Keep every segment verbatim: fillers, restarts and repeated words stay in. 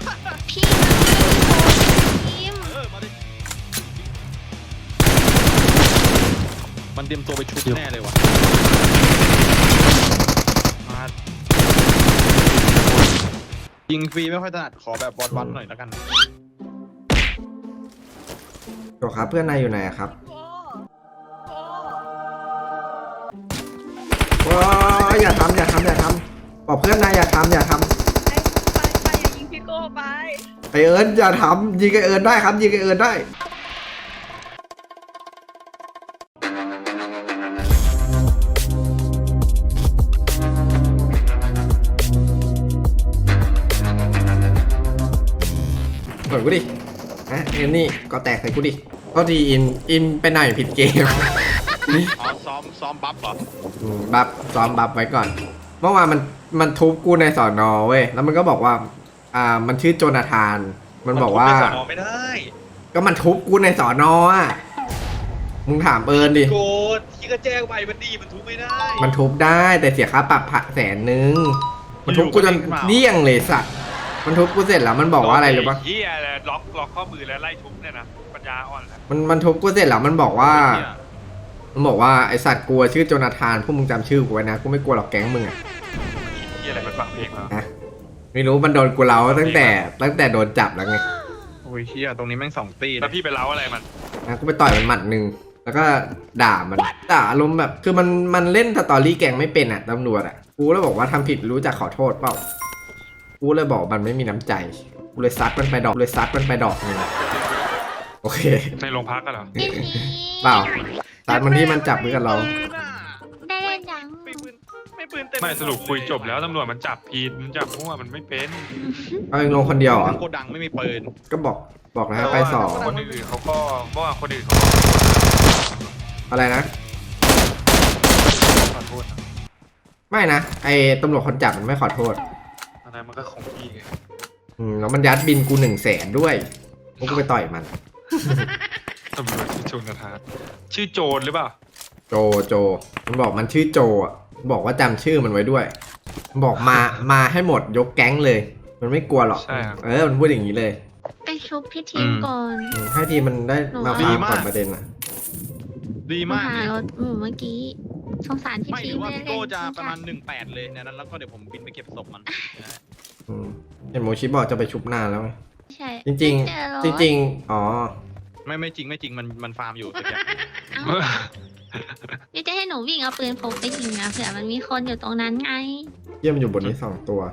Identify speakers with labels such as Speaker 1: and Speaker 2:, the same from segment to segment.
Speaker 1: พี่มันไม่ได้โดนทีม
Speaker 2: เออมาดิมันเตรียมตัวไปชุบแน่เลยวะมายิงฟรีไม่ค่อยถนัดขอแบบบอลวันหน่อยแล้วกัน
Speaker 3: โจครับเพื่อนนายอยู่ไหนครับว้าอย่าทำอย่าทำอย่าทำบอกเพื่อนนายอย่าทำอย่าทำ
Speaker 1: ไปไปอย่ายิงพี่โก้ไป
Speaker 3: ไอเอิญอย่าทำยิงไอเอิญได้ครับยิงไอเอิญได้เปิดกูดิอ่ะเอ็นนี่ก็แตกใส่กูดิก็ดีอินอินไปหน่อยผิดเกม
Speaker 2: อ๋อซ้อมซ้อมบัฟเหรอ
Speaker 3: อืมบัฟซ้อมบัฟไว้ก่อนเมื่อวานมันมันทุบกูในสอนอเว้ยแล้วมันก็บอกว่าอ่ามันชื่อโจนาธานมันบอกว่า
Speaker 2: สอนไม่ได้
Speaker 3: ก็มันทุบกูในสอนออ่ะมึงถามเอิญดิ
Speaker 2: โกรธที่ก็แจ้งไปมันดีมันทุบไม่ได้
Speaker 3: มันทุบได้แต่เสียค่าปรับแสนนึงมันทุบกูจนเดี้ยงเลยสัตว์มันทุบกูเสร็จแล้วมันบอกว่าอะไรรู้ปะ
Speaker 4: เฮียเลยล็อกล็อกข้อมือแล้วไล่ทุบเนี่ยนะปัญญาอ่อนแล้ว
Speaker 3: มันมันทุบกูเสร็จแล้วมันบอกว่า มันบอกว่าไอสัตว์กลัวชื่อโจนาธานพวกมึงจำชื่อกูไว้นะกูไม่กลัวหรอกแก๊งมึงอ่ะ
Speaker 4: เฮียอะไรมันฟังเพลงมา
Speaker 3: นะไม่รู้มันโดนกูเล้าตั้งแต่ตั้งแต่โดนจับแล้วไง
Speaker 2: โอ้ยเชี่ยตรงนี้แม่งสองตี
Speaker 4: แล้วพี่ไปเล้าอะไรมัน
Speaker 3: นะกูไปต่อยมันหมัดหนึ่งแล้วก็ด่ามันด่าอารมณ์แบบคือมันมันเล่นสตอรี่แกงไม่เป็นอ่ะตำรวจอ่ะกูเลยบอกว่าทำผิดรู้จักขอโทษเปล่ากูเลยบอกมันไม่มีน้ำใจกูเลยซัดมันไปดอกเลยซัดมันไปดอกนึงโอเค
Speaker 4: ในโรงพักกันเหรอ
Speaker 1: พี่พี
Speaker 3: เปล่าซัดมันที่มันจับมือกับเรา
Speaker 1: ได้เล่นยัง
Speaker 2: ไม่ปืนไม่ปืนเต็ม
Speaker 4: ไม่สรุปคุยจบแล้วตำรวจมันจับผิดมันจับมั่วมันไม่เป็น
Speaker 3: เอาเองลงคนเดียวเหรอ
Speaker 2: โกดังไม่มีปืน
Speaker 3: ก็บอกบอกนะไปสอง
Speaker 4: คนอื่นเขาก็เมื่อวานคนอื่นเขา
Speaker 3: อะไรนะ
Speaker 4: ขอโทษนะ
Speaker 3: ไม่นะไอ้ตำรวจคนจับมันไม่ขอโทษ
Speaker 4: อันนั้นมันก็ของพี่ไง
Speaker 3: อืมแล้วมันยัดบินกูหนึ่งแสนด้วยพวกกูไปต่อยมัน
Speaker 4: ตำรวจที่ชนกระทานชื่อโจรหรือเปล่า
Speaker 3: โจโจมันบอกมันชื่อโจอ่ะมันบอกว่าจำชื่อมันไว้ด้วยมันบอกมามาให้หมดยกแก๊งเลย มันไม่กลัวหรอก
Speaker 4: ใช่ครับ
Speaker 3: เออมันพูดอย่างนี้เลย
Speaker 1: ไปชุบพี่ทีมก่อน
Speaker 3: อืมให้ทีมมันได้มาฟาร์มก่อนประเด็นอ่ะ
Speaker 2: ดีมาก
Speaker 1: หารถหมูเมื่อกี้สงสารพี่
Speaker 2: ไม่
Speaker 1: ที
Speaker 2: หรื
Speaker 1: ม
Speaker 2: อว่า
Speaker 1: ไม่ได้
Speaker 2: พี่
Speaker 1: เล่
Speaker 2: โก้
Speaker 1: น
Speaker 2: จะประมาณหนึ่งแปดเลยในนั้นแล้วก็เดี๋ยวผมบินไปเก็บศพมัน
Speaker 3: อืมเห็นโมชิบอกจะไปชุบหน้าแล้วไง
Speaker 1: ใช่
Speaker 3: จริง
Speaker 1: ไม่เจอรถ
Speaker 3: ๆ จริง ๆ อ๋อ
Speaker 2: ไม่ไม่จริงไม่จริงมันมันฟาร์มอยู่แต่แก
Speaker 1: เอ้านี่จะให้หนูวิ่งเอาปืนพกไปยิงนะเผื่อมันมีคนอยู่ตรงนั้นไง
Speaker 3: เยี่ยมนอยู่บนนี้สองตัว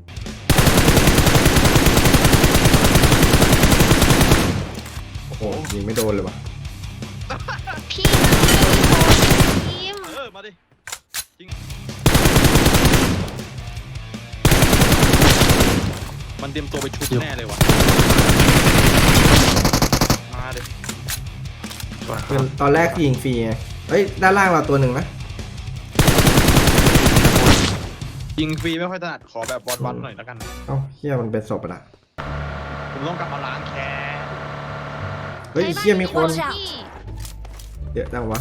Speaker 3: โอ้โหยิงไม่โดนเลยวะ
Speaker 1: พี่มันไม่ได้โดนทีม
Speaker 2: เออมาดิจริงมันเตรียมตัวไปชุบแน่เลยวะมาดิ
Speaker 3: คือตอนแรกยิงฟรีไงเฮ้ย ด้านล่างเราตัวหนึ่งนะ
Speaker 2: ยิงฟรีไม่ค่อยถนัดขอแบบบอลวันหน่อยแล้วกัน
Speaker 3: เอ้าเฮียมันเป็นศพอะนะ
Speaker 2: ผมต้องกลับมาล้างแค้น
Speaker 3: เฮ้ยเฮียมีคน
Speaker 1: พี่
Speaker 3: เยอะจังวะ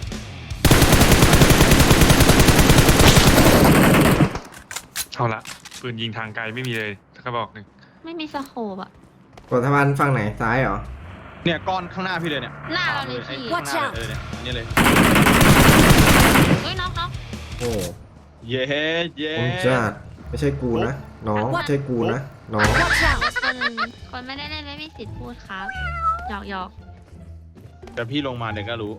Speaker 4: เอาละปืนยิงทางไกลไม่มีเลยกระบอกหนึ่ง
Speaker 1: ไม่มีสโคปอะ
Speaker 3: กดทวารฝั่งไหนซ้ายเหรอ
Speaker 2: เนี่ยก้อนข้างหน้าพี่เลยเนี่ย
Speaker 1: หน้าเราเลย
Speaker 2: ไอ้
Speaker 1: พี่
Speaker 2: ข้างหน้าเลยเออเนี่ยนี่เลย
Speaker 1: เฮ้ยน็อกน็อก
Speaker 3: โอ้
Speaker 2: เย้เย้
Speaker 3: ผมจะไม่ใช่กูนะ น้องไม่ใช่กูนะ น้อง
Speaker 1: คนคนไม่ได้เล่นไม่มีสิทธิ์พูดครับหยอกหยอก
Speaker 2: แต่พี่ลงมาเดี๋ยวก็รู้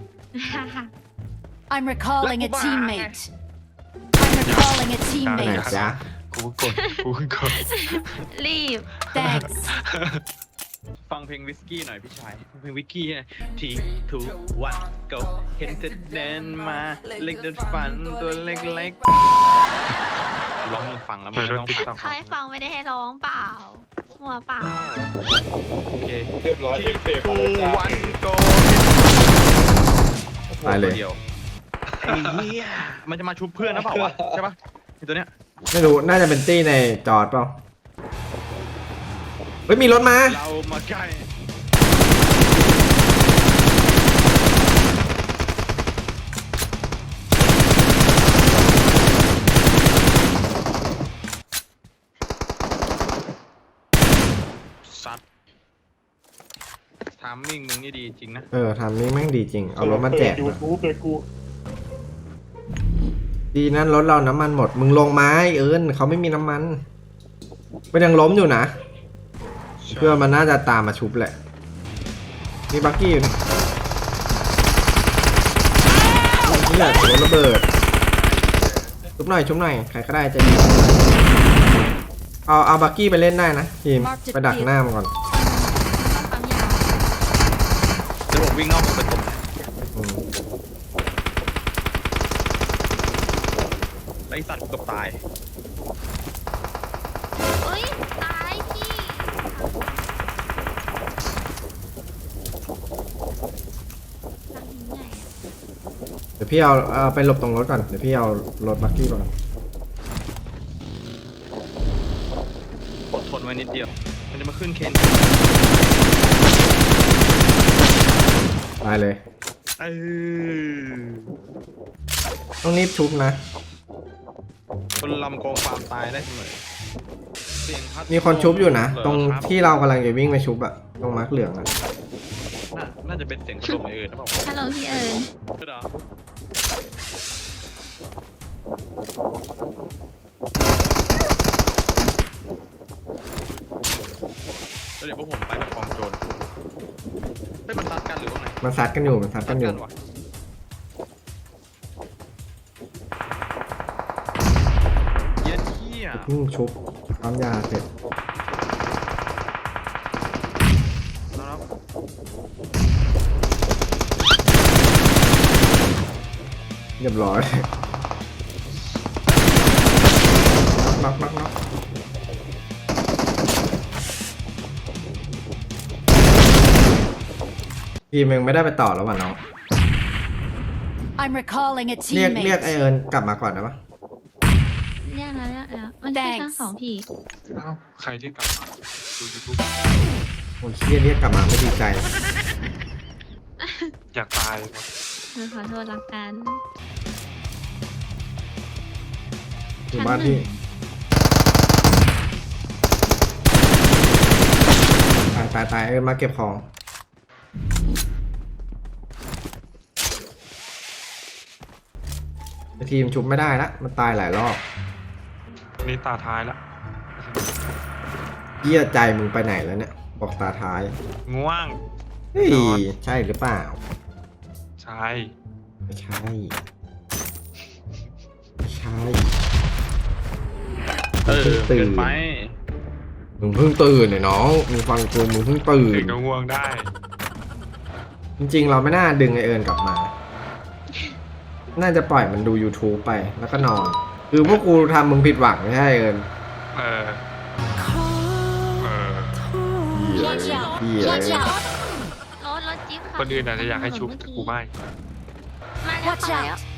Speaker 5: I'm recalling a
Speaker 2: Black
Speaker 5: teammate. I'm recalling a
Speaker 3: ไหน
Speaker 5: teammate.
Speaker 3: จ๊ะ
Speaker 4: กูกดกูกด
Speaker 1: รีบ
Speaker 5: Thanks.
Speaker 2: ฟังเพลงวิสกี้หน่อยพี่ชายฟังเพลงวิสกี้นะทีทูวันโกเห็นเธอเดินมาเล็กเดินฝันตัวเล็กๆร้องมึงฟังแล้วมันไม่ต้องฟัง
Speaker 1: เขาให้ฟังไม่ได้ให้ร้องเปล่ามัวเปล่า
Speaker 2: โอเคเรียบร้อยทีทูวันโก
Speaker 3: ตายเลย
Speaker 2: เดียวไอ้เหี้ยมันจะมาชุบเพื่อนนะเปล่าวะใช่ปะไอ้ตัวเนี้ย
Speaker 3: ไม่รู้ น่าจะเป็นตี้ในจอดเปล่า เฮ้ย มีรถมา
Speaker 2: เรามาใกล้ซัดทามมิ่งมึงนี่ดีจริงนะ
Speaker 3: เออทำนี้แม่งดีจริง เอารถมาแจก
Speaker 6: ยู
Speaker 3: มา
Speaker 6: ทูบเลยกู
Speaker 3: ดีนั่นรถเราน้ำมันหมด มึงลงไม้เอิญเขาไม่มีน้ำมันมันยังล้มอยู่นะ เพื่อมันน่าจะตามมาชุบแหละมีบักกี้อยู่นี่นี่แหละรถระเบิดชุบหน่อยชุบหน่อยใครก็ได้จะดีเอาเอาบักกี้ไปเล่นได้นะทีมไปดักหน้ามันก่อน
Speaker 1: ความยาว
Speaker 2: เดี๋ยวผมวิ่งนอกไปตรง
Speaker 3: อืม
Speaker 2: ไอสัตว์กูเกับตาย
Speaker 1: เอ้ยตายพี่หลังหินใหญ่อะ
Speaker 3: เดี๋ยวพี่เอาเอาไปหลบตรงรถก่อนเดี๋ยวพี่เอารถบักกี้ก่อน
Speaker 2: อดทนไว้นิดเดียว มันจะมาขึ้นเคน
Speaker 3: ตายเลย
Speaker 2: เออ
Speaker 3: ต้องรีบชุบนะ
Speaker 2: คนลำโกงความตายได้เสมอเสียงพัด
Speaker 3: มีคนชุบอยู่นะ
Speaker 2: เห
Speaker 3: ตรง
Speaker 2: คบ
Speaker 3: ที่เรากำลังจะวิ่งไปชุบอะตรงมาร์คเหลืองอะ
Speaker 2: น่าน่าจะเป็นเสียงพัดลมไอเอิญนะเปล่า
Speaker 1: ฮัลโหลพี่เอิญ
Speaker 2: ใช่เหรอแล้วเดี๋ยวพวกผมไปกับกองโจรไม่มันตัดกันหรือว่าไง
Speaker 3: มันซัดกันอยู่มันซัด
Speaker 2: ตั
Speaker 3: กั
Speaker 2: ด
Speaker 3: นอยู่
Speaker 2: วะเย็ดเหี้ย
Speaker 3: เพิ่งชุบปั๊มยาเสร็จ
Speaker 2: แล้ว
Speaker 3: เรียบร้อยน็อกน็อกน็อกทีมเองไม่ได้ไปต่อแล้วว่ะน้อง
Speaker 5: I'm recalling a
Speaker 3: เรียกเรียก
Speaker 5: teammate.
Speaker 3: ไอเอิญกลับมาก่อนนะวะ
Speaker 1: เรียกแล้วเรียกแล้วมันชื่อทั้งสองพี่
Speaker 4: เอ้าใครที่กลับมาดูยูทูบ
Speaker 3: คนเรียกเรียกกลับมาไม่ดีใจ
Speaker 4: อยากตายครับ
Speaker 1: หนูขอโทษละกัน
Speaker 3: อยู่บ้านพี่ตายตายตายเอิญมาเก็บของไอทีมชุบไม่ได้ละมันตายหลายรอบ
Speaker 4: นี่ตาท้ายละ
Speaker 3: เยี่ยใจมึงไปไหนแล้วเนี่ย บอกตาท้าย
Speaker 4: ง่วง
Speaker 3: เฮ้ย
Speaker 4: นอน
Speaker 3: ใช่หรือเปล่า
Speaker 4: ใช่
Speaker 3: ไม่ใช่ไม่ใช่
Speaker 2: เออ
Speaker 3: ตื่
Speaker 2: เกิ
Speaker 3: น
Speaker 2: นไป
Speaker 3: มึงเพิ่งตื่นเนี่ยน้องมึงฟังกูมึงเพิ่งตื่
Speaker 4: ถึ
Speaker 3: น
Speaker 4: งก็ง่วงได้
Speaker 3: จริงๆ เราไม่น่าดึงไอเอิญกลับมา น่าจะปล่อยมันดู YouTube ไปแล้วก็นอน คือพวกกูทำมึงผิดหวังไม่ใช่เอิญ
Speaker 4: เออ เออ
Speaker 5: Watch out!
Speaker 3: เหี้ย
Speaker 5: Watch out!
Speaker 1: รถรถจิ๊บ
Speaker 4: คนอื่นอาจจะอยากให้ชุบแต่กูไม่
Speaker 1: มาแล้ว
Speaker 5: Watch
Speaker 1: มาแล้ว
Speaker 5: out!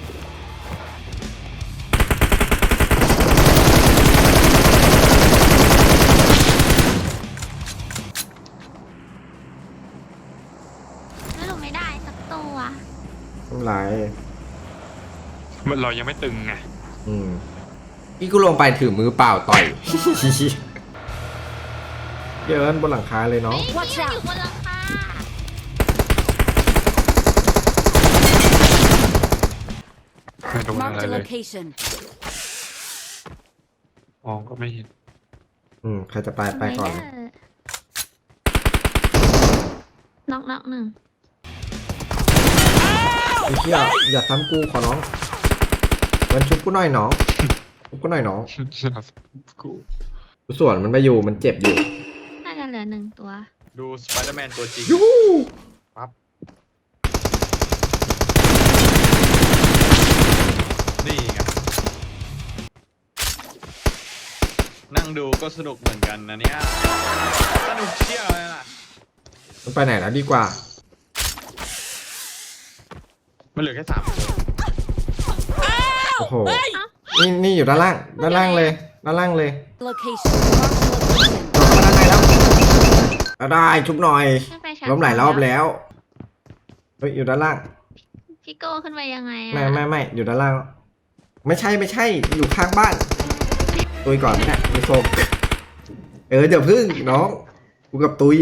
Speaker 1: แล้วหนูไม่ได้สักตัว
Speaker 3: ทำไร
Speaker 4: มันเรายังไม่ตึงไง
Speaker 3: อืมพี่กูลงไปถือมือเปล่าต่อย เยินบนหลังคาเลยเนาะ
Speaker 1: เฮ้ยพี่
Speaker 5: Watch
Speaker 1: มัน
Speaker 5: out
Speaker 1: อยู่บนหลังคา
Speaker 4: ไม่โดนอะไร
Speaker 5: Marked a
Speaker 4: เลย
Speaker 5: location.
Speaker 4: มองก็ไม่เห็น
Speaker 3: อืมใครจะไปไปก่อนเลย
Speaker 1: น็อกน็อกหนึ่ง
Speaker 3: ไอ้เหี้ยอย่าซ้ำกูขอน้องมันชุบกูหน่อยน้องชุบกูหน่อยน้อง
Speaker 4: กู
Speaker 3: กูส่วนมันไปอยู่มันเจ็บอยู่
Speaker 1: น่าจะเหลือหนึ่งตัว
Speaker 2: ดูสไปเดอร์แมนตัวจริง
Speaker 3: ยู
Speaker 2: ปั๊บ นี่ไง นั่งดูก็สนุกเหมือนกันนะเนี่ย สนุกเชี่ยวเลยล่ะ
Speaker 3: มันไปไหนแล้วดีกว่า
Speaker 2: มันเหลือแค่สามตัว
Speaker 3: โอ้โหนี่นี่อยู่ด้านล่างด้านล่างเลยด้านล่างเลย
Speaker 5: Location. Marked a location.
Speaker 3: จบมาด้านในแล้วเอาได้ชุบหน่อย
Speaker 1: ขึ้นไปชั้น
Speaker 3: ล้มหลายรอบแล้วเฮ้ยอยู่ด้านล่าง
Speaker 1: พี่โก้ขึ้นไปยังไงอะ
Speaker 3: ไม่ไม่ไม่อยู่ด้านล่าง ไม่ใช่ไม่ใช่อยู่ข้างบ้านตุยก่อนไม่ได้ไม่โซกเออเดี๋ยวพึ่งน้องกูกับตุย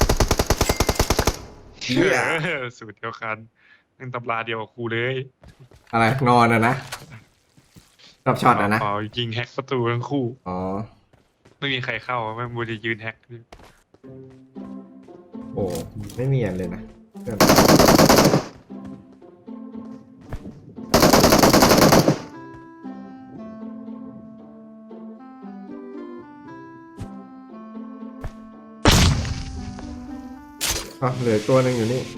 Speaker 3: เหี้ย
Speaker 4: เออสูตรเดียวกันนั่งตำราเดียวกับครูเลย
Speaker 3: อะไรนอนอะนะรอบช็อตอะนะ
Speaker 4: เปล่ายิงแฮกประตูทั้งคู่
Speaker 3: อ๋อ
Speaker 4: ไม่มีใครเข้าแม่งบูจะยืนแฮก
Speaker 3: โอ้ไม่เนียนเลยนะเพื่อนอ่ะเหลือตัวหนึ่งอยู่นี่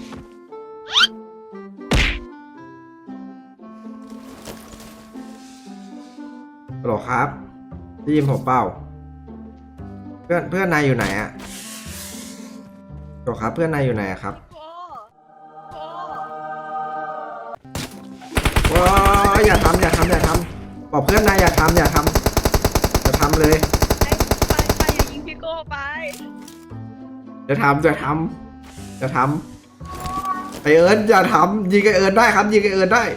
Speaker 3: ฮัลโหลครับได้ยินผมเปล่าเพื่อนเพื่อนนายอยู่ไหนอะฮัลโหลครับเพื่อนนายอยู่ไหนอะครับว้าอย่าทำอย่าทำอย่าทำบอกเพื่อนนายอย่าทำอย่าทำอย่าทำเลย
Speaker 6: ไปไปไปอย่ายิงพี่โก้ไป
Speaker 3: อย่าทำอย่าทำอย่าทำไอเอิญอย่าทำยิงไอเอิญได้ครับยิงไอเอิญได้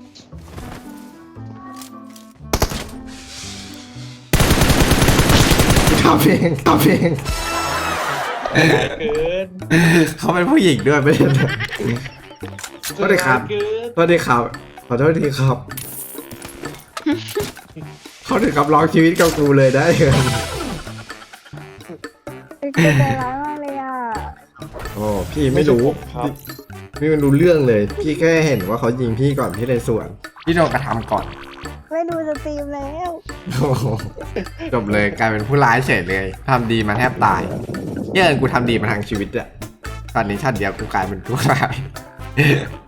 Speaker 3: ทำเองทำเอง
Speaker 2: เกิน
Speaker 3: เขาเป็นผู้หญิงด้วยไม่ใช่เหรอโทษทีครับ
Speaker 2: เกิน
Speaker 3: โทษทีครับขอโทษทีครับเขาถึงกับร้องชีวิตกับกูเลยได้เลย
Speaker 6: เป็นใจร้ายมากเลยอ่ะ
Speaker 3: โอ้พี่ไม่รู้พี่พี่ไม่รู้เรื่องเลย พี่แค่เห็นว่าเขายิงพี่ก่อนพี่เลยสวนพี่โดนกระทำก่อน
Speaker 6: ไม่ดูสตรีมแล้ว
Speaker 3: โอ้โหจบเลยกลายเป็นผู้ร้ายเฉยเลยทำดีมาแทบตายเนี่ยกูทำดีมาทางชีวิตอะตอนนี้ชาติเดียวกูกลายเป็นผู้ร้าย